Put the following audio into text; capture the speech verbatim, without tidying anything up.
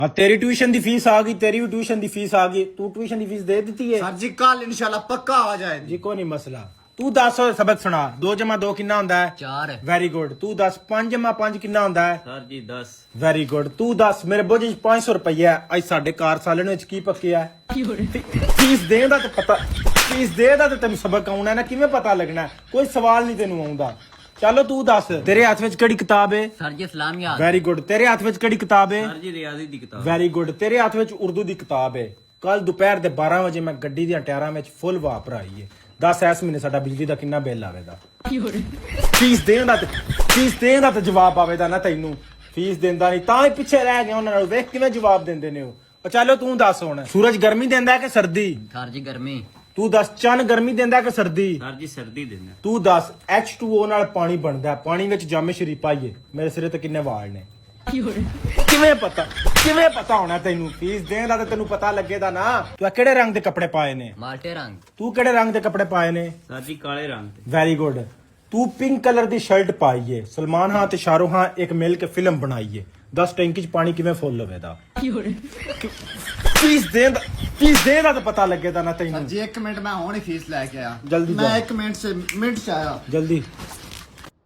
हाँ तेरी ट्यूशन की फीस आ गई, तेरी भी ट्यूशन की फीस आ गई। तू ट्यूशन की फीस दे दी है? सर जी कल इंशाल्लाह पक्का आ जाए जी को नहीं मसला। तू दस सबक सुना। दो जमा दो कितना होंदा है? चार। Very good. तू दस पांच जमा पांच कितना होंदा है? सर जी दस। Very good. तू दस मेरे बोझ च पांच सौ रुपया है। अज साडे कार साले नु की पक्किया फीस दें दा ते पता फीस दे दा ते तेन सबक आउणा ना, किवें पता लगना? कोई सवाल नहीं तेनू आउंदा। चलो तू दस तेरे हाथ विच केड़ी किताब है? सर जी इस्लामियात। Very good. तेरे हाथ विच केड़ी किताब है? सर जी रियाजी दी किताब। Very good. तेरे हाथ विच उर्दू दी किताब है। कल दोपहर दे बारह बजे मैं गड्डी दी टायरां विच फुल वाह भराई है। दस इस महीने साडा बिजली दा किन्ना बिल आवेगा? फीस दें दा फीस दें दा ते जवाब आवेगा ना तैनू। फीस देंदा नहीं तां ही पिछे रह गया उन्हां नाल। वेख किवें जवाब देंदे ने ओ। चलो तू दस हुण सूरज गर्मी देंदा है कि सर्दी? सर जी गर्मी। तू दस चन गर्मी देंदा है कि सर्दी? सर जी सर्दी देना। तू दस एच टू ओ नाल पानी बनदा है, पानी विच जामे शरीफ पाइए मेरे सिरे ते किन्ने वाल ने? किवें पता किवें पता होना तैनू? फीस दें दा ते तैनू पता लगेगा ना। तू केड़े रंग दे कपड़े पाए ने? माल्टे रंग। तू केड़े रंग दे कपड़े पाए ने? सर जी काले रंग। Very good. तू पिंक कलर दी शर्ट पाई है। सलमान खान ते शाहरुख खान एक मिल के फिल्म बनाई है। दस टैंकी च पानी किवें फुल होवेगा? फीस दें दा फीस दें दा ते पता लगेगा ना तैनू। सर जी एक मिनट मैं हुणे फीस लेके आया। जल्दी मैं जा। एक मिनट से मिनट से आया। जल्दी